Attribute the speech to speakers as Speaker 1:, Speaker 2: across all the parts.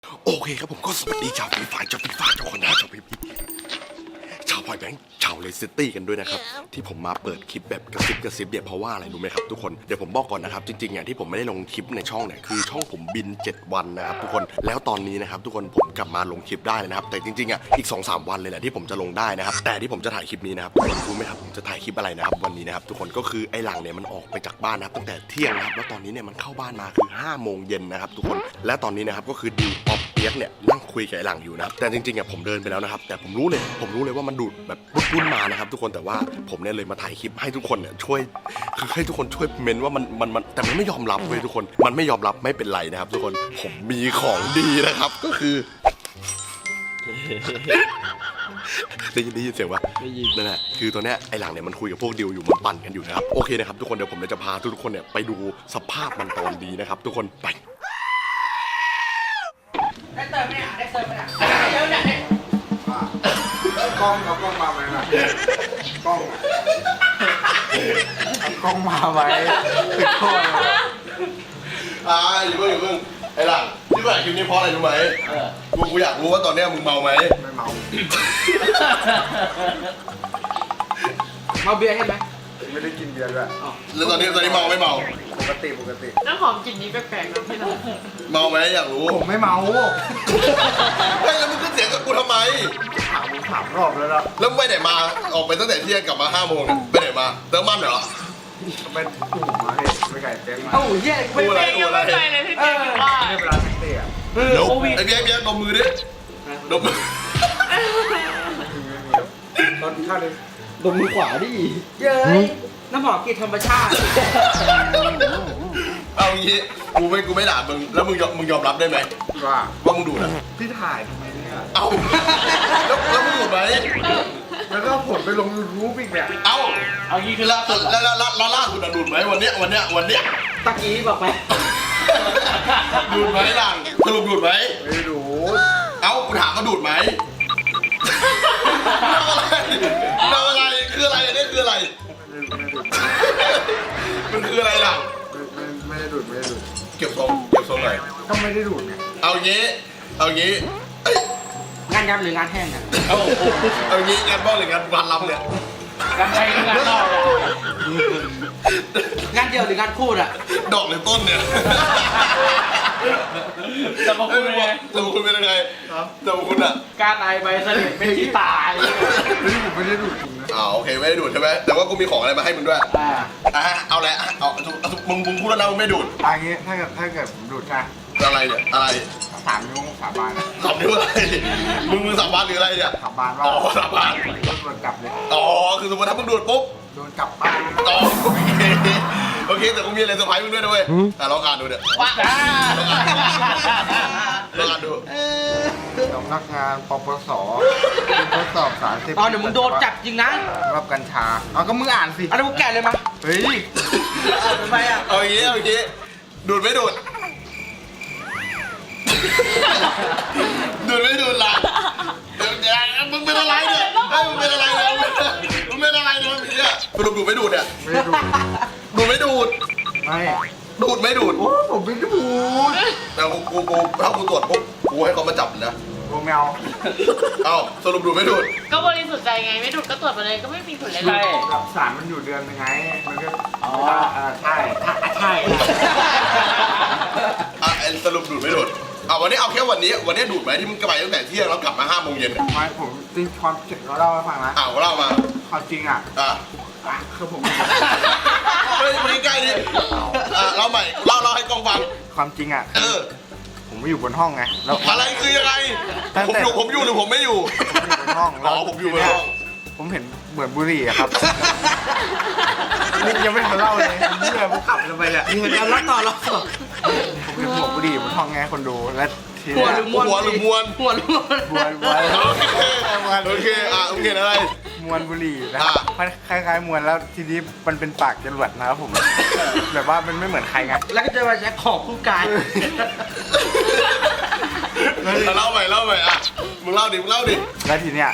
Speaker 1: โอเคครับผมก็สวัสดีชาวฟีฟ่าชาวฟีฟ่าชาวคนหน้าชาวพีพีชาวพอยแบงค์ชาวเลสซิตี้กันด้วยนะครับที่ผมมาเปิดคลิปแบบกระซิบเนี่ยเพราะว่าอะไรรู้ไหมครับทุกคนเดี๋ยวผมบอกก่อนนะครับจริงๆที่ผมไม่ได้ลงคลิปในช่องเนี่ยคือช่องผมบิน7 วันนะครับทุกคนแล้วตอนนี้นะครับทุกคนผมกลับมาลงคลิปได้เลยนะครับแต่จริงๆอีก 2-3 วันเลยแหละที่ผมจะลงได้นะครับแต่ที่ผมจะถ่ายคลิปนี้นะครับทุกคนรู้ไหมครับผมจะถ่ายคลิปอะไรนะครับวันนี้นะครับทุกคนก็คือไอ้หลังเนี่ยมันออกไปจากบ้านนะครับตั้งแต่เที่ยงนะครับแล้วตอนนี้เนี่ยมันเข้าบ้านมาคือ5 โมงเย็นนะครับทุกคนและตอนนี้นะครับก็คือดิวออฟเปียกเนี่ยนั่งคุยกับไอ้หลังอยู่นะครับแต่จริงๆผมเดินไปแล้วนะครับแต่ผมรู้เลยว่ามันดูดแบบปุ้นมานะครับทุกคนแต่ว่าผมเนี่ยเลยมาถ่ายคลิปให้ทุกคนเนี่ยช่วยคือให้ทุกคนช่วยเมนว่ามันแต่มันไม่ยอมรับเลยทุกคนมันไม่ยอมรับไม่เป็นไรนะครับทุกคนผมมีของดีนะครับก็คือได้ยินเสียงวะได้ยินนั่นแหละคือตัวเนี้ยไอ้หลังเนี่ยมันคุยกับพวกดิวอยู่มันปั่นกันอยู่นะครับโอเคนะครับทุกคนเดี๋ยวผมจะพาทุกคนเนี่ยไปดูสภาพมันตอนดีนะครับทุกคนไป
Speaker 2: ได้เติมไหมได้เติมไหมเยอะเนี่ย
Speaker 3: กล้องเอากล้องมาไหมล่ะกล้องเอากล้องมาไหมติดโทษเลย
Speaker 1: อยู่เพิ่งไอ้หลังที่ถ่ายคลิปนี้เพราะอะไรรู้ไหมกูอยากรู้ว่าตอนเนี้ยมึงเมาไหม
Speaker 3: ไม่เมา
Speaker 2: เมาเบียร์ใช่ไหม
Speaker 3: ไม่ได้กินเบียร์ด้วย
Speaker 1: แล้วตอนนี้เมาไม่เมา
Speaker 3: ปกติ
Speaker 4: น้ำหอมกลิ่นนี้แปลกๆนะพี่น้อง
Speaker 1: เมาไหมอยากรู้
Speaker 3: ผมไม่เมา
Speaker 1: เฮ้ยแล้วมึงขึ้นเสียงกับกูทำไม
Speaker 3: ถามรอบแล้วนะ
Speaker 1: แล้วไปไหนมาออกไปตั้งแต่เที่ยงกลับมา5 โมงไปไหนมาเติมมันเหรอ
Speaker 3: ไปกลุ่มมาไปไก่เต้นมา
Speaker 2: เหี้ย
Speaker 4: ไม่ไปยังไม่ไปเลยพี่เจ๊ว่า
Speaker 3: ไม่เวลาแท็กซี่อ่ะ
Speaker 1: ไอ้เบี้ยดมมือดิดมมือ
Speaker 3: ตอนข้าวเลย
Speaker 2: ดมมือขวาดิเย้ยน้ำหอมกลิ่นธรรมชาติ
Speaker 1: เอางี้กูไม่ด่ามึงแล้วมึงยอมรับได้ไหมว่ามึงดูดอ่ะ
Speaker 3: พี่ถ่ายทำไมเนี่ย
Speaker 1: เอาแล้วมึงดูดไหม
Speaker 3: แล้วก็ผลไปลงYouTubeอีกเนี่ย
Speaker 4: เอางี้คือล่าสุด
Speaker 1: แล้วล่าสุดดูดไหมวันเนี้ย
Speaker 2: ตะกี้บอกไป
Speaker 1: ดูดไหมหลังสรุปดูดไหม
Speaker 3: ไม่ดู
Speaker 1: เอากูถามว่าดูดไหมอะไรคืออะไรอันนี้คืออะไรมันคืออะไรล่ะ
Speaker 3: ไม่ได้ดูด
Speaker 1: เก็บทรงหน่อย
Speaker 3: ก็ไม่ได้ดูดไง
Speaker 1: เอางี้
Speaker 2: งานยับหรืองานแห้งเนี่ย
Speaker 1: เอางี้งานบ้องหรืองานวันลำเนี่ย
Speaker 4: งานใดงานนอก
Speaker 2: งานเดียวหรืองานคู่อ่ะ
Speaker 1: ดอกหรือต้นเนี่ย
Speaker 4: จะมาคุณเป็นไง
Speaker 1: จะมาคุณอ่ะ
Speaker 4: การไอใบเสด็จเป็นที่ตาย
Speaker 3: ไม่ได้ดูดจริงนะ
Speaker 1: โอเคไม่ได้ดูดใช่ไหมแต่ว่ากูมีของอะไรมาให้มึงด้วยเอาแหละมึงพูดแล้วนะมึงไม่ดูด
Speaker 3: อย่างงี้ถ้าเกิดผมดูดใช่
Speaker 1: อะไรเนี่ยอะไร
Speaker 3: 3 นิ้วสาบาน
Speaker 1: 3 นิ้วอะไรมึงสาบานหรืออะไรเนี่ย
Speaker 3: สาบานว่า
Speaker 1: สาบาน
Speaker 3: โดนกลับเลย
Speaker 1: คือสมมติถ้ามึงดูดปุ๊บ
Speaker 3: โดนกลับบ้าน
Speaker 1: โอเคแต่กูมีอะไรเซอร์ไพรส์มึงด้วยนะเว้ยลองอ่านดูเนี่ย
Speaker 4: ว้า
Speaker 1: ลองอ่านดู
Speaker 3: สำนักงานปปสทดสอบสารเสพติด
Speaker 2: เดี๋ยวมึงโดนจับจริงนะ
Speaker 3: รับกัญชาก็มึงอ่านสิ
Speaker 2: มึงแกะเลยมา
Speaker 3: เฮ้ย
Speaker 2: ทำไม
Speaker 1: เอาอย่างงี้ดูดไม่ดูดไม่ดูดล่ะมึงเป็นอะไรเนี่ยมึงเป็นอะไรเนี่ยสรุปดูดไม่ดูดเนี่ย
Speaker 3: ไม่ดูด
Speaker 1: ดูไม่ดูด
Speaker 3: ไม่
Speaker 1: ดูดไม่ดูด
Speaker 3: โอ้ผมไม่ดูด
Speaker 1: แต่กูถ้ากูตรวจปุ๊บกูให้เขามาจับนะ
Speaker 3: กูแมว
Speaker 1: สรุปดูดไม่ดูด
Speaker 4: ก็บริสุทธิ์ใจไงไม่ดูดก็ตรวจไปเลยก็ไม่มีผลอะไร
Speaker 3: สารมันอยู่เดือนยังไงมันก็ใช่
Speaker 1: สรุปดูดไม่ดูดวันนี้เอาแค่วันนี้ดูดไหมที่มึงกลับไปตั้งแต่เที่ยงแล้วกลับมา5 โมงเย็น
Speaker 3: ไม่ผมจริงความจริงเราเล่าให้ฟังนะ
Speaker 1: เล่ามา
Speaker 3: ความจริงคือผม
Speaker 1: ไม่ใกล้ดิเล่าใหม่เล่าให้กองฟัง
Speaker 3: ความจริงผมไม่อยู่บนห้องไงแล้ว
Speaker 1: อะไรคือยังไงผมอยู่หรือผมไม่อยู่
Speaker 3: บนห้อง
Speaker 1: ผมอยู่บนห้อง
Speaker 3: ผมเห็นเหมือนบุหรี่ครับนี่ยังไม่ทันเล่าเลยผมขับลงไปเนี่ย
Speaker 2: เดี๋ยวเล่าต่อ
Speaker 3: ผมเห็นหัวบุหรี่บนห้องไงคนดูและ
Speaker 1: หัวหรือมวน โอเคมึงเห็นอะไร
Speaker 3: มวนบุหรี่นะครับคล้ายๆมวนแล้วทีนี้มันเป็นปากจรวดนะครับผมแบบว่ามันไม่เหมือนใครไง
Speaker 2: แล้วก็จะมาแจ็คของคู่กาย
Speaker 1: เล่าใหม่มึงเล่าดิ
Speaker 3: แล้วทีเนี้ย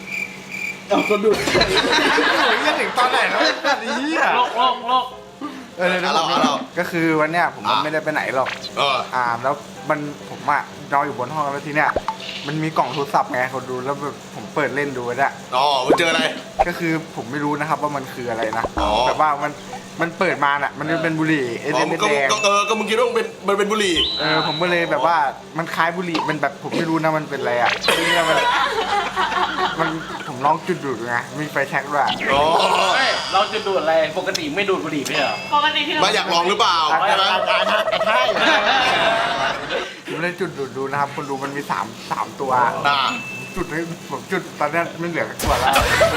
Speaker 2: ก็ดู
Speaker 3: เรื่องถึงตอนไหนแล้วแบบนี้
Speaker 4: โลก
Speaker 3: เดี๋ยว
Speaker 1: เรา
Speaker 3: ก็คือวันเนี้ยผมไม่ได้ไปไหนหรอก แล้วผมอะนอนอยู่บนห้องแล้วทีเนี้ยมันมีกล่องโทรศัพท์ไงเขาดูแล้วแบบผมเปิดเล่นดูเนี่ย
Speaker 1: อ๋อมันเจออะไร
Speaker 3: ก็คือผมไม่รู้นะครับว่ามันคืออะไรนะ
Speaker 1: อ๋อ
Speaker 3: แบบว่ามันเปิดมาน่ะมันเป็นบุหรี่เอ
Speaker 1: อ๋อ
Speaker 3: เดน
Speaker 1: ก็
Speaker 3: แดง
Speaker 1: ก็มึงคิดว่ามันเป็นบุหรี่
Speaker 3: ผมก็เลยแบบว่ามันคล้ายบุหรี่มันแบบผมไม่รู้นะมันเป็นอะไรอ่ะเนี่ยมันผมลองจุดดูดไงมีไฟแช็กด้วย
Speaker 1: อ๋อ
Speaker 4: เราจะดูดอะไร ปกติไม่ดูดบุหรี่ไม่เหรอ ปกติที่เรา
Speaker 1: มาอยากลองหรือเปล่าใช่ไหม
Speaker 3: ใช่ผมเลยจุดดูนะครับคนดูมันมีสามตัวจุดให้ผมจุดตอนนี้ไม่เหลือตัวแล้ว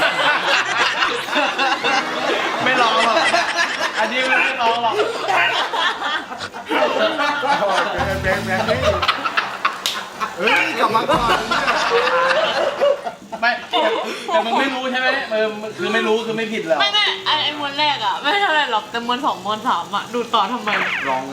Speaker 4: ไม่ลองหรอก อันนี้ไม่ลองหรอก
Speaker 3: แบงเฮ้ยกลับมาก่อน
Speaker 4: ไม่แต่มึงไม่รู้ใช่ไหมคือไม่รู้คือไม่ผิดแล้ว
Speaker 5: ไม่ไอ้มวนแรกอ่ะไม่เท่าไรหรอกแต่มวนสองมวนสามอ่ะดูต่อทำไม
Speaker 3: ลองไง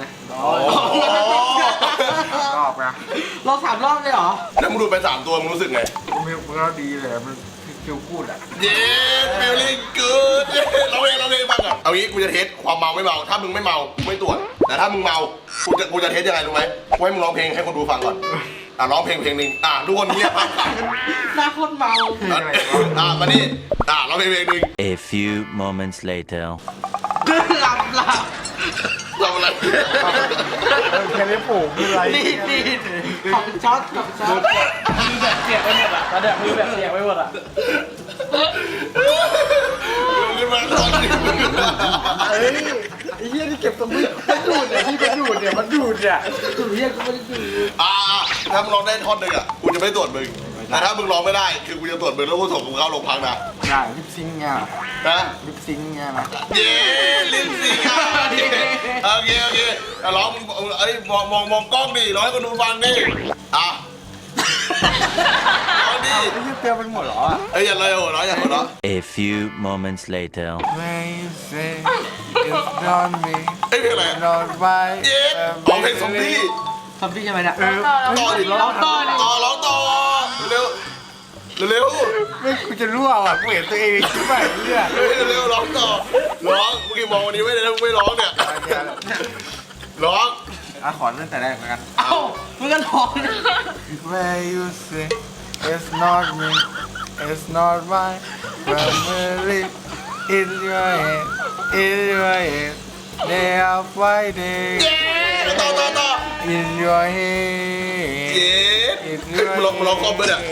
Speaker 3: รอบไง
Speaker 2: เรา3 รอบเลยเหรอ
Speaker 1: แล้วมึงดูไป3 ตัวมึงรู้สึกไง
Speaker 3: มันก็ดีเลยมันคิวพูดอ่ะ
Speaker 1: เย้ฟีลลิ่งกูดเราเองบ้างอ่ะเอางี้กูจะเทสความเมาไม่เมาถ้ามึงไม่เมาไม่ตรวจแต่ถ้ามึงเมากูจะเทสยังไงรู้ไหมกูให้มึงร้องเพลงให้คนดูฟังก่อนร้องเพลงหนึ่งทุกคนเงียบฟัง
Speaker 2: หน้าโคตรเมา
Speaker 1: มานี่ร้องเพลงหนึ่ง
Speaker 6: A few moments later.
Speaker 2: หลับ
Speaker 1: เราอะไร
Speaker 3: แค่นี้ผูกคืออะไร
Speaker 2: นี่ของช็อต
Speaker 4: มือแบบเสียกไปหมดอ่ะตอนเนี้ยมือแบบเสียกไปหมดอ่ะ
Speaker 1: ขึ้นมาตอนนี้
Speaker 3: ไอ้เหี้ยนี่เก็บสมุดมันดูดเนี่ยที่มันดูดเนี่ยมันดูดเนี่ย
Speaker 2: กูเรียกกูไม่ได้ดู
Speaker 1: ถ้ามึงร้องได้ท่อนหนึ่งกูจะไม่ตรวจมึงแต่ถ้ามึงร้องไม่ได้คือกูจะตรวจมึงแล้วกูส่งมึงเข้าโรงพักนะ
Speaker 3: ง่ายลิปซิงค์เนี่ย
Speaker 1: นะ
Speaker 3: ลิปซิงค์เนี่ยนะ
Speaker 1: เย้ลิ้นสิโอเคร้องมองกล้องดิร้องให้คนดูฟังดิร้องดิ
Speaker 3: ไอ้เหี้ยเปรี้ยวเป็นหมดเหรอ
Speaker 1: อย่าเลยโอ้ร้องอย่าหัวเราะ
Speaker 6: A few moments later.
Speaker 3: When you say it's not me
Speaker 1: เพลงอะไร
Speaker 3: not my
Speaker 1: เย้ร้องเพลงซอมบี้
Speaker 2: ทำพี่ใช่ไหมเนี่ย
Speaker 1: ต่อดิ
Speaker 2: เราต่อดิ
Speaker 1: ร้องต่อเร็ว
Speaker 3: ไม่กูจะรั่วอ่ะกูเห็นตัวเองคิดว่าเนี่ย
Speaker 1: เร็วร้องต่อร้องเมื่อกี้มองวันนี้ไม่ได้แล้วไม่ร้องเนี่ยร้อง
Speaker 3: ขอตั้งแต่แรกแล้วกัน
Speaker 2: เอ้ามึงก็ร้อง
Speaker 3: Where you say it's not me it's not my family in your head in your head they are fighting
Speaker 1: ต่อ
Speaker 3: in your head
Speaker 1: เย้มึงร้องคอมเบอร์เนี่ย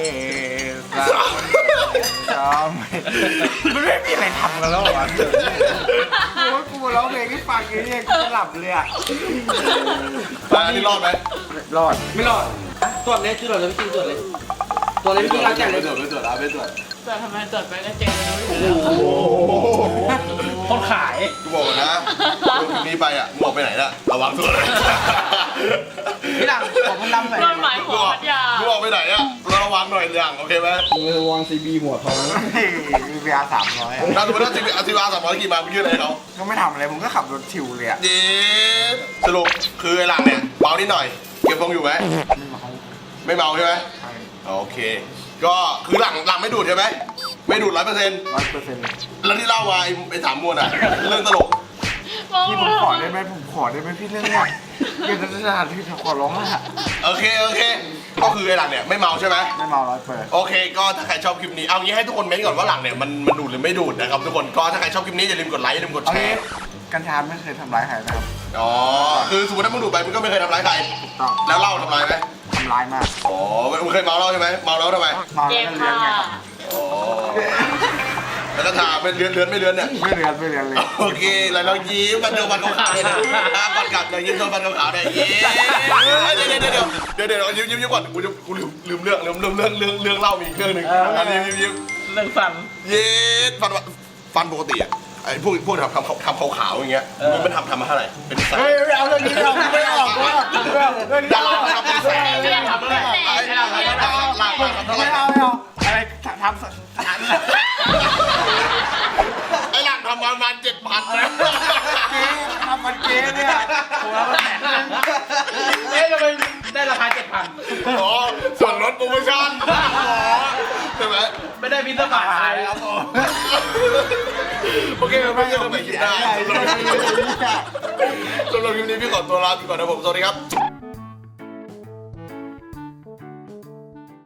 Speaker 3: จอมมันไม่มีอะไรทำกันแล้วอ่ะกูมาร้องเพลงให้ฟังอย่างนี้กูจะหลับเลยอ่ะ
Speaker 1: อันนี้รอดไหม
Speaker 3: รอด
Speaker 2: ไม่รอดตรวจเลยตรวจเลยพี่ตรวจเลยตรวจเลยพี่เราแจกเลย
Speaker 1: ไม่ตรวจ
Speaker 5: ตรวจทำไมตรวจไปก็เจอรู้อยู่
Speaker 4: คนขาย
Speaker 1: กูบอกนะลูกนี้ไปมึงออกไปไหนน่ะระวังตัวเลย
Speaker 2: พี่หลังขอพันลำหน่อย
Speaker 5: โดนหมายหัวพัทยา
Speaker 1: มึงออกไปไหนระวังหน่อยอย่างโอเคไหม
Speaker 2: ระวังซีบีหัวทอง
Speaker 3: มี VR 300
Speaker 1: ถ้าสมมติว่าอา300กี่มามึงยื่นอะไรเขา
Speaker 3: ก็ไม่ทำอะไรผมก็ขับรถชิวเลยอ่ะ
Speaker 1: เย้สรุปคือไอ้หลังเนี่ยเมานิดหน่อยเก็บทรงอยู่ไหมไม่เมาใช่ไหมโอเค ก็คือหลังไม่ดูดใช่ไหมไม่ดูด100%
Speaker 3: 100%
Speaker 1: แล้วที่เล่ามาไอ้3 มวนเรื่องตลก
Speaker 3: พี่ผมขอได้ไหมพี่เรื่องเนี้ยเกี่ยวกับสถานที่ขอร้องอ่ะ
Speaker 1: โอเคก็คือไอ้หลังเนี่ยไม่เมาใช่ไหม
Speaker 3: ไม่เมา100%
Speaker 1: โอเคก็ถ้าใครชอบคลิปนี้เอางี้ให้ทุกคนเม้นก่อนว่าหลังเนี่ยมันดูดหรือไม่ดูดนะครับทุกคนก็ถ้าใครชอบคลิปนี้อย่าลืมกดไลค์อย่าลืมกด
Speaker 3: เอา
Speaker 1: แช
Speaker 3: งี้
Speaker 1: ร์
Speaker 3: กัญชาไม่เคยทำร้ายใครนะครับ
Speaker 1: อ๋อคือสมมติถ้ามึงดูดไปมึงก็ไม่เคยทำร้ายใคร
Speaker 3: ถูกต้อง
Speaker 1: แล้วเหล้าทำร้ายไหม
Speaker 3: ทำร้ายมาก
Speaker 1: อ๋อมึงเคยเมาเหล้าใช่ไหมเมาแล้วทำไม
Speaker 3: เมา
Speaker 5: เจ็
Speaker 3: แล้ว
Speaker 5: บ
Speaker 3: ก็เลี้ย
Speaker 5: ค่ะ
Speaker 3: งไงครับ
Speaker 1: อ๋อแล้วก็ถามเป็นเลือนไม่เลือนเนี่ย
Speaker 3: ไม่เลี้ยงเลย
Speaker 1: โอเคแล้วเรายิ้มกันโดนฟันขาวๆเลยนะฟันกัดเรายิ้มโดนฟันขาวๆเนี่ยยิ้มเดี๋ยวยิ้มก่อนกูลืมเรื่องเล่ามีอีกเรื่องหนึ่งอันนี้ยิ้ม
Speaker 4: เรื่องฟัน
Speaker 1: เย็ดฟันปกติอ่ะไอ้พวกทำขาวๆอย่างเงี้ยมันทำมาเท่าไหร่เป็นแสน
Speaker 3: เฮ้ยไม่เอาเรื่องนี้ไม่ออกเรื่อง
Speaker 1: ดาราทำเป็นแสน
Speaker 5: ไม่ได้ทำเลย
Speaker 1: ไอ้หลังทำเท่าไหร่
Speaker 3: ไม่เอาอะไรทำ
Speaker 1: ไอ้หลังทำประมาณ7,000นะ
Speaker 3: ทำมันเกมเนี่ยผมรับมา100,000
Speaker 4: เอ๊ะทำไมได้ราคา 7,000
Speaker 1: อ๋อส่วนลดโปรโมชั่นอ๋อใช่ไหม
Speaker 4: ไม่ได้พิซซ่าบาทขายครับผม
Speaker 1: โอเคไม่ใช่เราไปคิดได้สำหรับคลิปนี้พี่ขอตัวลาไปก่อนนะผมสวัสดีครับ